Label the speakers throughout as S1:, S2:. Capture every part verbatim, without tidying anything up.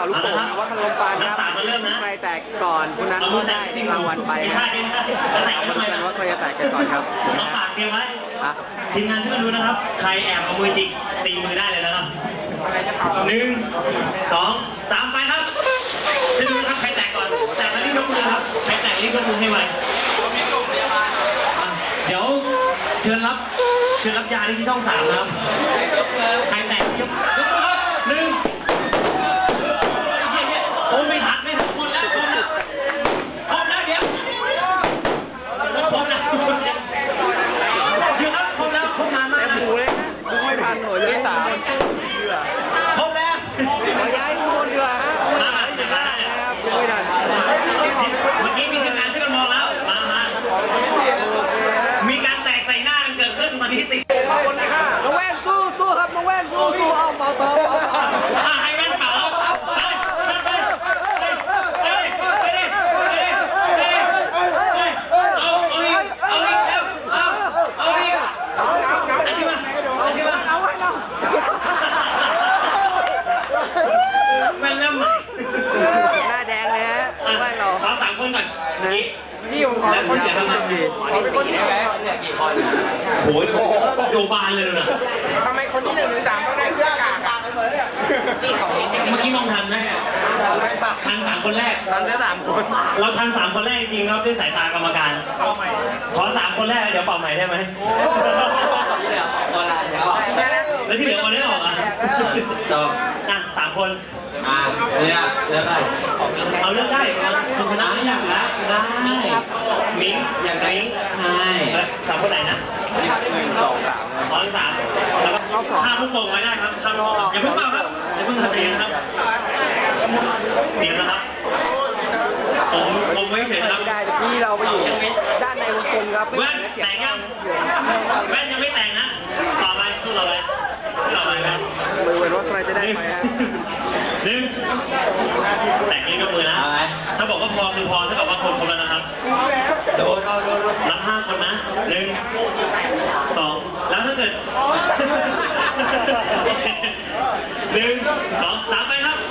S1: าลูกโป่งว่าขนมปังครับใครแตกก่อนคนนั้นได้รางวัลไปค
S2: ไม่ใช่
S1: รับ
S2: ไม่ใช่แตก
S1: เอา
S2: ทำไม
S1: มาดูกัน
S2: ล่ะ
S1: ว่าใครจะแตกกันก่อนครับ
S2: น้องปากเตรียมไว้
S1: อ่ะ
S2: ทีมงานช่วยกันดูนะครับใครแอบเอามือจิกตีมือได้เลยนะครับหนึ่งสองสามไปครับจะดูนะครับใครแตกก่อนแตกแล้วรีบยกมือครับใครแตกรีบยกมือให้ไวเดี๋ยวเชิญรับเชิญรับยาที่ช่องสามนะครับใครแตกยกยกมือครับหนึ่งโอ้ไม่ทันไม่ทันหมดแล้วหมดแล้วพร้อมแล้วเดี๋ยวพร้อมแล้วเดี๋ยวครับพร้อมแล้วพร้อมนานมาก
S1: หมูเลยนะดูไม่ทันหน่วยที่สาม
S2: ครบแล้ว
S1: ขอย้ายทุกคนดีกว่าฮะ
S2: มามาจะมาเนี่ย
S1: นะครับดูไม่ทัน
S2: เมื่อกี้มีทีมงานช่วยกันมองแล้วมามามีการแตกใส่หน้ากันเกิดขึ้นตอนนี้ติด
S1: น้องแว่นสู้สู้ครับน้องแว่นสู้สู้เอาเบาเบาเบา
S2: อ่ะให้แว่นเป่าไปไปไปไปดิไปดิไปดิเอาเอาอีกเอาอีกเร็วเอาเอาอีกอันนี้มาอันนี้มา
S1: เอาไว้เนาะ
S2: แว่นเริ่มใหม่
S1: หน้าแดงเลยฮะแว่นเรา
S2: ขอสามคนก่อนนี่
S1: นี่ผมขอคนเดียวทำดีขอคนเดียว
S2: โอ้ยโยบานเลยนะ
S1: ทำไมคนที่หนึ่งหรือสามต้องได้เสื้อกากกันเลยเนี่ย
S2: เมื่อกี้มองทันไหมทันสามคนแรก
S1: ทันแค่สามคน
S2: เราทันสามคนแรกจริงๆครับด้วยสายตากรรมการ ขอสามคนแรกเดี๋ยวเป่าใหม่ได้ไหมแล้วที่เหลือคนได้ออกอ่ะ
S3: จบ
S2: อ่ะสามคน
S3: อ่าเนี่ยเลือกได้
S2: เอาเลือกได้คุณชนะ
S3: อ่าอยากได้ได้
S2: มิ้ง
S3: อยากได้
S2: มิ้ง
S3: ใช่
S2: สามคนไหนนะ
S1: หนึ่งสองสาม
S2: ขอทั้งสามแล้วก็ข้ามลูกโป่งไว้ได้ครับข้ามลูกโป่งอย่าเพิ่งเป่าครับอย่าเพิ่งทำใจนะครับเตรียมนะครับผมผมไว้เฉยนะครับ
S1: ไม่ได้ที่เราไปอยู่ด้านในวงกลมครับ
S2: แว่นแต่งยังแว่นยังไม่แต่งนะต่อไปสู้ต่อไปต่อไปครับ
S1: บริเวณว่าใครจะได้ไปฮะ
S2: หนึ่งแต่งนี้ก็มือนะถ้าบอกว่าพอคือพอเท่ากับว่าคนครบแล้วนะครับ
S3: โดนโดนโดนโดน
S2: นับห้าคนนะหนึ่งสองแล้วถ้าเกิดหนึ่งสองสามไปครับ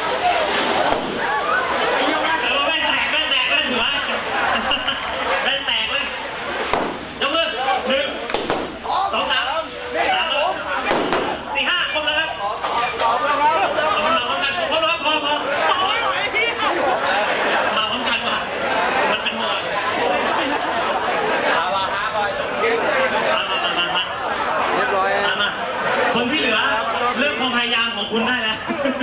S2: แว่นแตกแว่นแตกแว่นถือว่าแว่นแตกเลยยกมือหนึ่งสองสามสามสี่ห้าครบแล้วครับเอามาพร้อมกันพอแล้วพอพอมาพร้อมกันว่ะมันเป็นหมวด
S3: เอาว่าห้าบอย
S2: มามามามา
S1: เรียบร้อย
S2: มามาคนที่เหลือเรื่องความพยายามของคุณได้แล้ว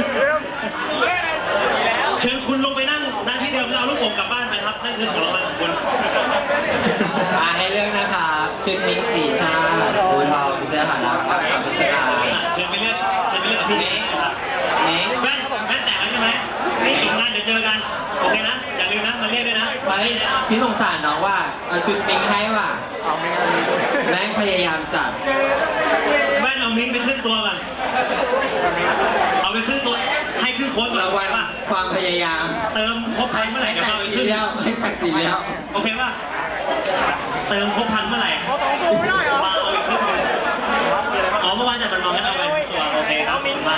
S2: เชิญคุณลงไปนั่งหน้าที่เดิมแล้วเอาลูกโป่งกลับบ้านไปครับนั่นคือของรางวัลของคุณ
S3: อ่าให้เรื่องนะครับชุดมิกสีชาติบูทองเสื้อหารักกับคำพิศดาร
S2: เชิญไปเลือกเชิญไปเลือกกับพี่เน้ครับ
S3: นี้
S2: แว่นแว่นแตกแล้วใช่ไหมนี่อีกงานเดี๋ยวเจอกันโอเคนะอย่าลืมนะมาเรียกด้วยนะ
S3: ไว้พี่สงสารน้องว่าเอาชุดมิกให้ว่ะ
S1: เอาไม่เอา
S3: แม่งพยายามจัด
S2: แว่นเอามิ้นไปขึ้นตัวก่อนเอาไปขึ้นตัวให้ขึ้นโค้ดก่อน
S3: รางวัล
S2: ป่ะ
S3: ความพยายาม
S2: เติมครบพันเมื่อไหร่เดี๋ยว
S3: แต่
S2: เอาไป
S3: สี
S2: ขึ้น
S3: เดียวให้แต่สีเดียว
S2: โอเคป่ะเติมครบพันเมื่อไหร่เอาสองตัวไม่ได้เหรอมาเอาอีกครึ่งนึงอ๋อเมื่อวานจัดมันมองกันเอาไปตัวโอเคครับมา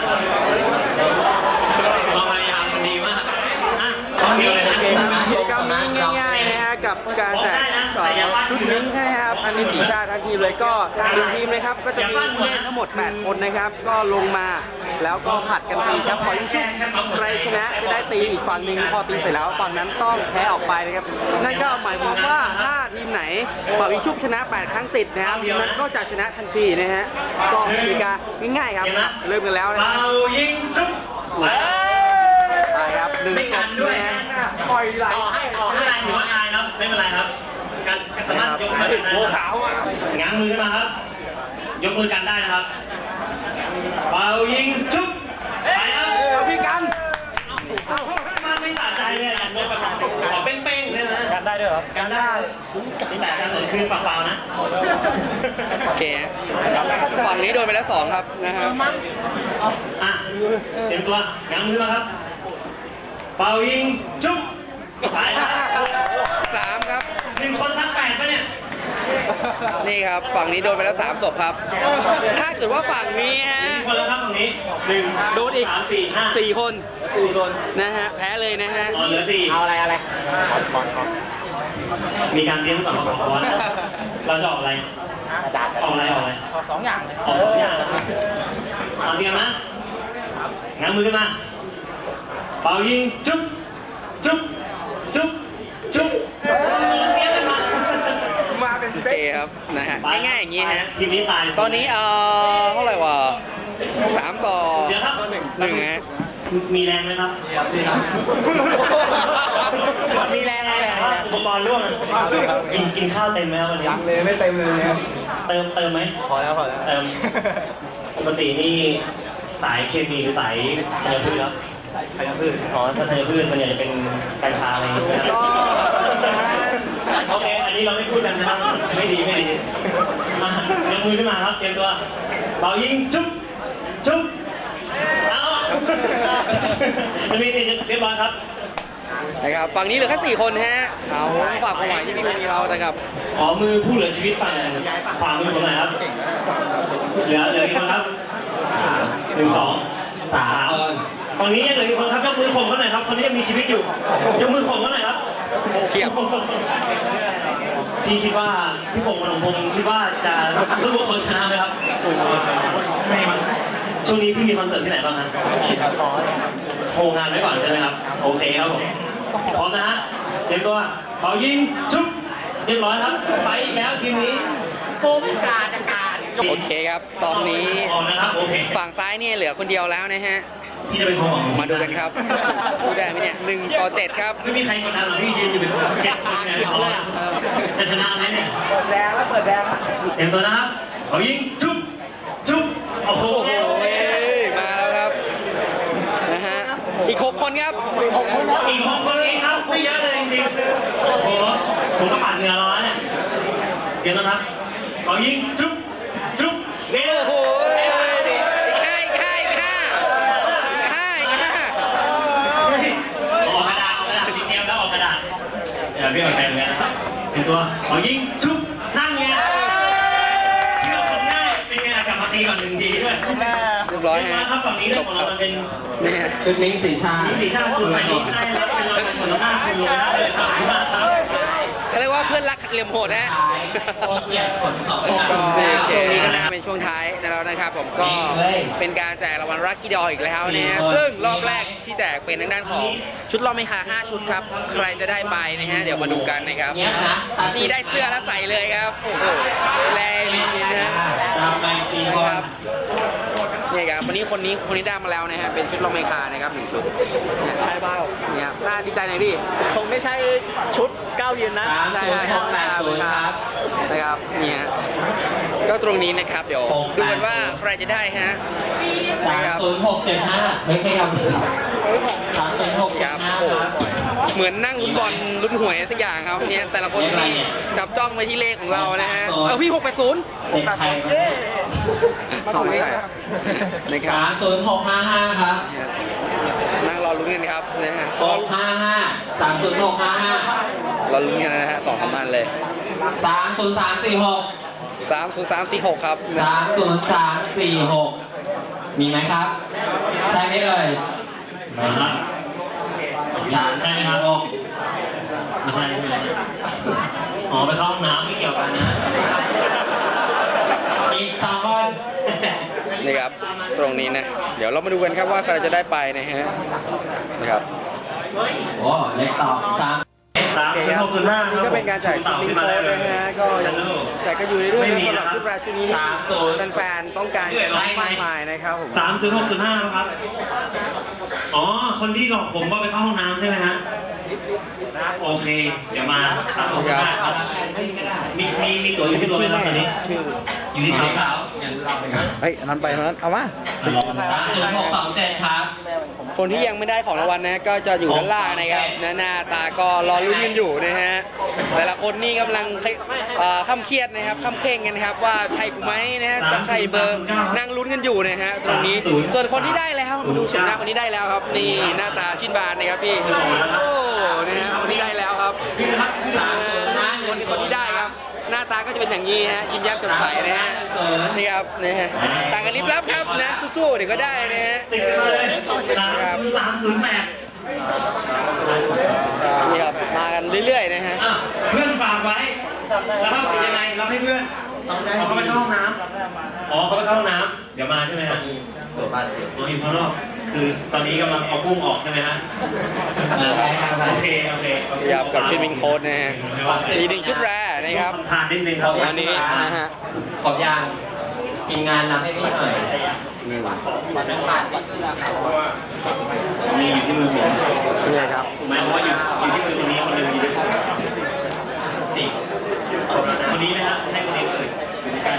S2: ความพยายามดีมากอ่ะตอนนี้เลยนะ
S1: กิจกรรมนี้ง่ายๆนะฮะกับการแจกชุดมิ้งใช่ครับอันนี้สีชาติทั้งทีมเลยก็หนึ่งทีมนะครับก็จะมีผู้เล่นทั้งหมดแปดคนนะครับก็ลงมาแล้วก็ผัดกันตีครับพอยิ่งชุบใครชนะจะได้ตีอีกฝั่งหนึ่งพอตีเสร็จแล้วฝั่งนั้นต้องแพ้ออกไปนะครับนั่นก็หมายความว่าถ้าทีมไหนเป่ายิงชุบชนะแปดครั้งติดนะครับทีมนั้นก็จะชนะทันทีนะฮะก็กติกาง่ายๆครับเริ่มกันแล้วนะค
S2: เป่า
S1: รับ
S2: ยิงชุบ
S1: ไปครับหนึ่ง
S2: ไม่
S1: ต
S2: กัน
S1: บ
S2: ด้วย
S1: นะปล่อยไหล
S2: ต่อให้ต่อให้ถือว่าอายครับไม่เป็นไรครับการการสามารถยกมือกันได้ง้างมือขึ้นมาครับยกมือกันได้นะครับเป่ายิงชุบไปครับ
S1: เอาพี่กัน
S2: มาไม่สะใจเลยอ่ะขอเป้งๆเลยนะกันได้ด้วยเหรอกันได้แต่การสนคือเปล่าๆนะ
S1: โอเคนะครับฝั่งนี้โดนไปแล้วสองครับนะครับ
S2: อ่ะเตรียมตัวง้างมือมาครับเป่ายิงชุบไปครับ
S1: สามครับ
S2: หนึ่งคนทั้งแปดปะเนี่ย
S1: นี่นี่ครับฝั่งนี้โดนไปแล้วสามศพครับ ถ้าเกิดว่าฝั่งนี้ฮะ
S2: คนละครับตรงนี้หนึ่ง
S1: โดนอีก
S2: สามสี่ห้า
S1: สี่คนสี่คนนะฮะแพ้เลยนะฮะ
S2: อ๋อเหลือสี่
S1: เอาอะไรอะไร
S2: มีการเตรียมก่อนว่าขอคอนเราจะออกอะไรออกอะไรออกอะไรออกสองอย่างออกสองอย่างเอาเตรียมนะง้างมือขึ้นมาเป่ายิงจุ๊บจุ๊บจุ๊บจุ๊บเตรียมกันมา
S1: มาเป็นเซตครับนะฮะง่ายๆอย่างนี้ฮะ
S2: ทีมนี้ตาย
S1: ตอนนี้เอ่อเท่าไหร่วะสามต่อ
S2: เดี๋ยวครับ
S1: หนึ่งหนึ่งฮะ
S2: มีแรงไหมครับ
S1: มีแรงอะไร
S2: แต่ว่าอุปกรณ์ร่วงกินกินข้าวเต็มไหมครับวันนี้
S4: ยังเลยไม่เต็มเลยเนี่ย
S2: เติมเติมไหม
S4: พอแล้วพอแล้ว
S2: เติมปกตินี่สายเคมีหรือสายธัญพืชครับ
S4: ใครจะพืช
S2: อ๋อถ้าธัญพืชส่วนใหญ่จะเป็นกัญชาอะไรอย่างเงี้ยโอเคอันนี้เราไม่พูดกันนะครับไม่ดีไม่ดีมายกมือขึ้นมาครับเตรียมตัวเป่ายิงจุ๊บจุ๊บเอาจะมีนี่เรียบร้อยครับ
S1: นะครับฝั่งนี้เหลือแค่สี่คนฮะเอาฝากความหวังที่พี่มีเรานะครับ
S2: ขอมือผู้เหลือชีวิตฝั่งขวามือผมหน่อยครับ เหลือเหลือกี่คนครับหนึ่งสอง
S3: สามคน
S2: ฝั่งนี้ยังเหลือกี่คนครับยกมือข่มเขาหน่อยครับคนนี้ยังมีชีวิตอยู่ยกมือข่มเขาหน่อยครับ
S1: เทียบ
S2: พี่คิดว่าพี่พงษ์มนพงศ์คิดว่าจะสู้กับเขาชนะไหมครับไม่มั้งช่วงนี้พี่มีคอนเสิร์ตที่ไหนบ้างฮะโทรงานไว้ก่อนใช่ไหมครับโอเคครับผมพร้อมนะฮะเตรียมตัวเป่ายิงชุบเรียบร้อยครับไปอีกแล้วทีมนี้โกงการการ
S1: โอเคครับ ตอนนี้
S2: ออกนะครับโอเค
S1: ฝั่งซ้ายเนี่ยเหลือคนเดียวแล้วนะฮะ
S2: พี่จะเป็นความหวัง
S1: มาดูกันครับสู้ได้ไหมเนี่ยหนึ่งต่อเจ็ดครับ
S2: ไม่มีใครกดดันหรอกพี่ยืนอยู่เป็นเจ็ดคนเนี่ยจะชนะไหมเนี่ย
S4: เปิดแดงแล้วเปิดแดงแล้ว
S2: เตรียมตัวนะครับเอายิงชุบชุบโอ้โห
S1: โอ้โหเอ้ยมาแล้วครับนะฮะอีกหกคนครับ
S2: อีกหกคนเองครับไม่เยอะเลยจริงๆโอ้โหผมก็ปัดเหงื่อร้อนเนี่ยเตรียมตัวนะครับเอายิงชุบชุบเร็ว
S1: โอ้โหอีกห้าอีกห้าอีกห้าอีกห้าอีกห้า
S2: ออกกระดาษออกกระดาษมีเตรียมแล้วออกกระดาษเดี๋ยวพี่เอาแทนเลยนะครับเตรียมตัวเอายิงชุบนั่งไงเชื่อคนง่ายเป็นไงกลับมาตีก่อนหนึ่งทีด้วย
S1: เรียบร้อย
S2: เรียบร้อย
S1: ฮะ
S2: ครับฝั่งนี้เรื่องของเรามันเป็น
S1: นี่ฮะ
S3: ชุดมิ้งสีชาติ
S2: นิติชาติสุดใหม่นี้ไม่ได้แล้วเป็นเราเป็นคนละหน้าคุณลงได้เลยครับ
S1: เขาเรียกว่าเพื่อนรักเหลี่ยมโหดนะ
S3: โคตรเกลียดขนของ
S1: ช่วงนี้ก็น่าเป็นช่วงท้ายแล้วนะครับผมก็เป็นการแจกรางวัลรักกี้ดออีกแล้วนะฮะซึ่งรอบแรกที่แจกเป็นทางด้านของชุดรอบไม่คาห้าชุดครับใครจะได้ไปนะฮะเดี๋ยวมาดูกันนะครับ
S3: เนี้ยนะ
S1: นี่ได้เสื้อแล้วใส่เลยครับโอ้โหแรงจริงๆนะ
S3: ตามไปสี่คน
S1: ครับเนี่ยครับวันนี้คนนี้คนนี้ได้มาแล้วนะฮะเป็นชุดรอบไม่คานะครับหนึ่งชุดเนี่ย
S4: ใช่เปล่า
S1: เนี่ยครับน่าดีใจหน่อยพี่
S4: คงไม่ใช่ชุดก้าวยืนนะ
S3: สามศูนย์หกแปดศูนย์ครับ
S1: นะครับเนี่ยก็ตรงนี้นะครับเดี๋ยวดูกันว่าใครจะได้ฮะ
S3: สามศูนย์หกเจ็ดห้าไม่ใช่ครับสามศูนย์หก
S1: ค
S3: เจ็ด
S1: รับ
S3: ห้า
S1: โอ้
S3: ครับ
S1: เหมือนนั่งลุ้นบอลลุ้นหวยสักอย่างครับเนี่ยแต่ละคนนี่จับจ้องไปที่เลขของเรานะฮะเออพี่หกแปดศูนย์
S3: เด็กไทย
S4: เย้
S1: เอาไม่ใช่นะครั
S3: สา
S1: บ
S3: มศูนย์หกห้าห้าครับ
S1: นั่งรอลุ้นกันครับนะฮะ
S3: หกห้าห้าสามศูนย์หกห้าห้าร
S1: อลุ้นกันนะฮะสองสามพันเลย
S3: สามศูนย์สามสี่หก
S1: สามศูนย์สามสี่หกครับ
S3: สามศูนย์สามสี่หกมีไหมครับ ใช่ไหมเอ่ย
S2: มาละสามใช่ไหมครับไม่ใช่ใช่ไหมอ๋อไปเข้าห้องน้ำไม่เกี่ยวกันนะ
S3: อีกสองคน
S1: นี่ครับตรงนี้นะเดี๋ยวเรามาดูกันครับว่าใครจะได้ไปนะฮะนะครับ
S3: โอ้เล็กต่อสาม
S2: สามศูนย์หกศูนย์ห้าครับ
S1: ก็เป็นการแจกชุดลิงโค้ดนะฮะก็ยังแจกกันอยู่เรื่อยๆสำหรับชุดแรกชุดนี้แฟนๆต้องการมากมายนะครับผม
S2: สามศูนย์หกศูนย์ห้าครับ อ๋อ คนที่หลอกผมว่าไปเข้าห้องน้ำใช่ไหมฮะ โอเค เดี๋ยวมาสามหกศูนย์ห้าครับมีมีมีตั๋วอยู่ที่ตัวไหมครับตอนนี้ อยู่ที่
S3: อยู่
S2: เขา
S3: ที่เขาอย่างเราไปครับ
S4: เฮ้ยอันนั้นไปนั้นเอามา
S3: สามศูนย์หกสองเจ็ดครับ
S1: คนที่ยังไม่ได้ของรางวัลนะก็จะอยู่ด้านล่างนะครับนะหน้าตาก็รอลุ้นกันอยู่นะฮะแต่ละคนนี่กำลังเอ่อข้ามเครียดนะครับข้ามเคร่งกันนะครับว่าใช่กูไหมนะฮะจะใช่เบอร์นั่งลุ้นกันอยู่นะฮะตรงนี้ส่วนคนที่ได้แล้วมาดูชมหน้าคนที่ได้แล้วครับนี่หน้าตาชื่นบานนะครับพี่โอ้นะฮะคนที่ได้แล้วครับ
S3: สามศูนย์ห้าห
S1: ค
S3: นึ่
S1: น
S3: ง
S1: คนที่ได้ครับหน้าตาก็จะเป็นอย่างนี้ฮะยิ้มแย้มแจ่มใสนะฮะนี่ครับนี่ฮะต่างกันลิบลับครับนะสู้ๆเดี๋ยวก็ได้นะฮะ
S2: ติดกันมาเลยสามสามศูนย์แปด
S1: นี่ครับมากันเรื่อยๆนะฮะ
S2: อ่ะเพื่อนฝากไว้ แล้วก็ยังไงรับให้เพื่อนอ๋อเขาไปเข้าห้องน้ำอ๋อเขาไปเข้าห้องน้ำเดี๋ยวมาใช่ไหมฮะ
S3: ตัวบ้านเดียว
S2: อ๋ออยู่ข้างนอกคือตอนนี้กำลังเอากุ้งออกใช่ไหมฮะ
S3: ใช่ครับ
S2: โอเคโอเค
S1: นี่ครับกับชิมิงโค้ดนะฮะอีกหนึ่งชุดแรกนะครับ
S2: ทานนิดนึงครับ
S1: อันนี้นะฮะ
S3: ขอบยางทีมงานรับให้พี่หน่อย
S1: นี่
S2: นี่อยู่ที่มือผม
S1: นี่ครับ
S2: ถูกไหมเพราะว่าอยู่อยู่ที่มือคนนี้คนหนึ่งอยู่ที่
S3: สี่
S2: คนนี้ไหมฮะใช่คนนี้เลยไม่ใช่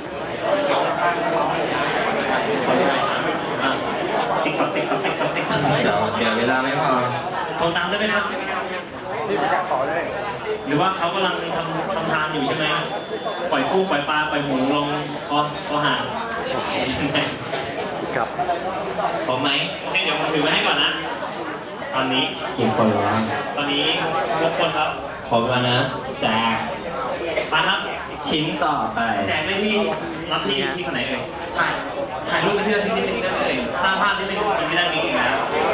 S2: ติ๊กต๊อกติ๊กต๊อกติ๊กต๊อกติ๊กต๊อก
S3: เดี๋ยวเดี๋ยวเวลาไม่พอ
S2: โทรตามได้ไหมครับนี่ประกาศขอได้หรือว่าเขากำลังทำทำทานอยู่ใช่ไหมปล่อยกุ้งปล่อยปลาปล่อยหมูลงคอคอหาง
S1: ครับ
S2: พร้อมไหมโอเคเดี๋ยวผมถือไว้ให้ก่อนนะ ตอนนี้
S3: กี่คนแล้ว
S2: ตอนนี้ทุกคนครับ
S3: ผมแล้วนะแจก
S2: มาครับ
S3: ชิ้นต่อไป
S2: แจกได้ที่รับที่ที่คนไหนเอ่ยถ่ายถ่ายรูปไปที่ที่ที่ที่ได้เลยสร้างภาพที่ได้คนที่ได้นี้อีกแล้ว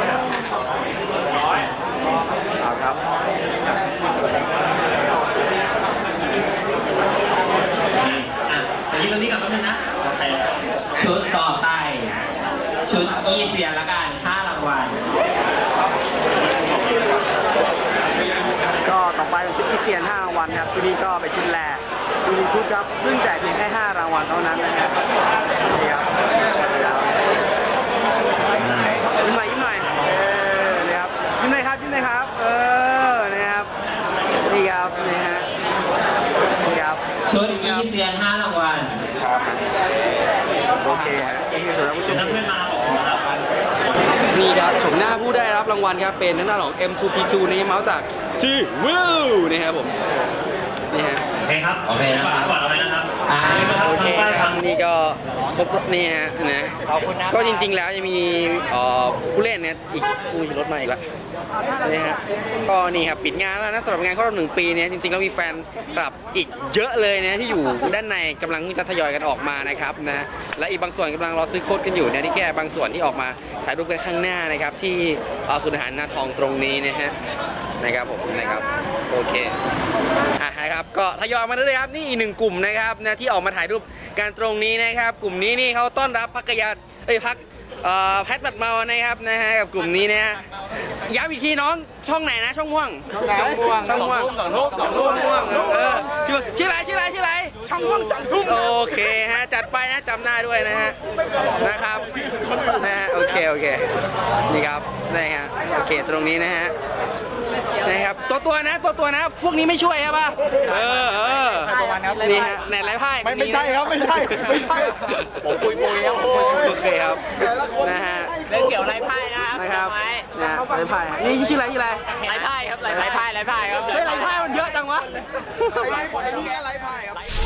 S1: เอาครับ
S2: อ่ะเดี๋ยวยืนตรงนี้ก่อนแป๊บนึงนะถ่าย
S3: ชุดต่อไป ชุดอีเซียนละกันห้ารางวัล
S1: ก็ต่อไปเป็นชุดอีเซียนห้ารางวัลครับที่นี่ก็เป็นชุดแรกอีกหนึ่งชุดครับซึ่งแจกเพียงแค่ห้ารางวัลเท่านั้นนะครับนี่ครับยิ้มหน่อยยิ้มหน่อยเออนี่ครับยิ้มหน่อยครับยิ้มหน่อยครับเออนี่ครับนี่ครับนี่ฮะนี่ครับ
S3: ชุดอีเซียนห้ารางวัล
S1: โอเคฮะนี่คือสำหรับผู้ช
S2: เดี๋ยว
S1: ม
S2: ถ้าเพื่อนมาบอกผมครับ
S1: นี่ครับชมหน้าผู้ได้รับรางวัลครับเป็นทางด้านของ เอ็ม ทู พี ทู นี้เมาส์จากจีวิวนี่ครับผมนี่ฮะ
S2: โอเคครับ
S3: โอเคนะครับ
S2: ก่อนเอาไว้นะครับ
S3: อ่า
S2: นี่นะครับ
S1: โอเค
S2: ทางป้าย
S1: ครั
S2: ทา
S1: บ
S2: ง
S1: นี่ก็ครบนี่ฮะนะก็จริงๆแล้วยังมีเอ่อผู้เล่นเนี่ยอีกอุ้ยรถมาอีกแล้วนี่ฮะก็นี่ครับปิดงานแล้วนะสำหรับงานครบรอบหนึ่งปีเนี่ยจริงๆแล้วมีแฟนคลับอีกเยอะเลยนะที่อยู่ด้านในกำลังจะทยอยกันออกมานะครับนะและอีกบางส่วนกำลังรอซื้อโค้ดกันอยู่นะนี่แค่บางส่วนที่ออกมาถ่ายรูปกันข้างหน้านะครับที่เอ่อศูนย์อาหารนาทองตรงนี้นะฮะนะครับผมนะครับโอเคอ่ะนะครับก็ทยอยมาเรื่อยๆครับนี่อีกหนึ่งกลุ่มนะครับนะที่ออกมาถ่ายรูปการตรงนี้นะครับกลุ่มนี้นี่เขาต้อนรับพักกยาเอ้ยพักเอ่อแพทบัดเมานะครับนะฮะกับกลุ่มนี้นะฮะย้ำอีกทีน้องช่องไหนนะช่องม่วงช่องม่วงช่องม่วงสองทุ่มสองทุ่มม่วงเออชื่อชื่ออะไรชื่ออะไรชื่ออะไรช่องม่วงสองทุ่มโอเคฮะจัดไปนะจำหน้าด้วยนะฮะนะครับนะฮะโอเคโอเคนี่ครับนี่ฮะโอเคตรงนี้นะฮะนะครับตัวตัวนะตัวตัวนะพวกนี้ไม่ช่วยใช่ป่ะเออเออนี่ฮะไหนไรไพ่
S4: ไม่ไม่ใช่ครับไม่ใช่ไม่ใช่ผมปุยปุยครับ
S1: โอเคครับนะฮะ
S5: เรื่องเกี่ยวไรไพ่นะครับ
S1: นะครับ
S5: ไม้
S1: นะไรไพ่นี่ชื่ออะไรชื่ออะไร
S5: ไรไพ่ครับไรไพ่ไรไพ่ครับ
S1: เฮ้ยไรไพ่มันเยอะจังวะ
S4: ไอ้นี่ไอ้นี่แค่ไร้พายครับ